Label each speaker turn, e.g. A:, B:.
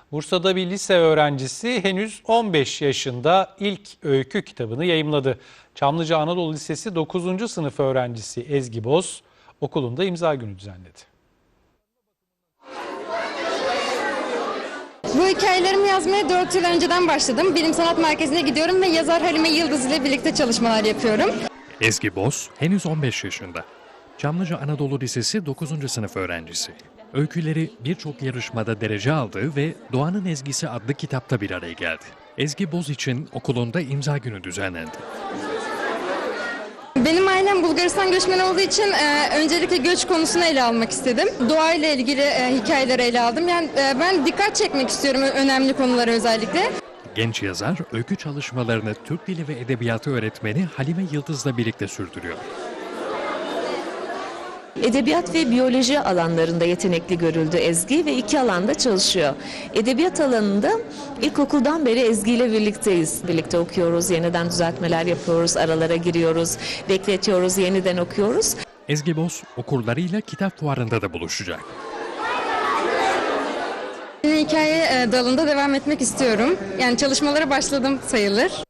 A: Bursa'da bir lise öğrencisi henüz 15 yaşında ilk öykü kitabını yayımladı. Çamlıca Anadolu Lisesi 9. sınıf öğrencisi Ezgi Boz okulunda imza günü düzenledi.
B: Bu hikayelerimi yazmaya 4 yıl önceden başladım. Bilim Sanat Merkezi'ne gidiyorum ve yazar Halime Yıldız ile birlikte çalışmalar yapıyorum.
C: Ezgi Boz henüz 15 yaşında. Çamlıca Anadolu Lisesi 9. sınıf öğrencisi. Öyküleri birçok yarışmada derece aldı ve Doğanın Ezgisi adlı kitapta bir araya geldi. Ezgi Boz için okulunda imza günü düzenlendi.
B: Benim ailem Bulgaristan göçmeni olduğu için öncelikle göç konusunu ele almak istedim. Doğayla ilgili hikayeleri ele aldım. Yani ben dikkat çekmek istiyorum önemli konulara özellikle.
C: Genç yazar öykü çalışmalarını Türk Dili ve Edebiyatı öğretmeni Halime Yıldız'la birlikte sürdürüyor.
D: Edebiyat ve biyoloji alanlarında yetenekli görüldü Ezgi ve 2 alanda çalışıyor. Edebiyat alanında ilkokuldan beri Ezgi ile birlikteyiz. Birlikte okuyoruz, yeniden düzeltmeler yapıyoruz, aralara giriyoruz, bekletiyoruz, yeniden okuyoruz.
C: Ezgi Boz okurlarıyla kitap fuarında da buluşacak.
B: Hikaye dalında devam etmek istiyorum. Yani çalışmalara başladım sayılır.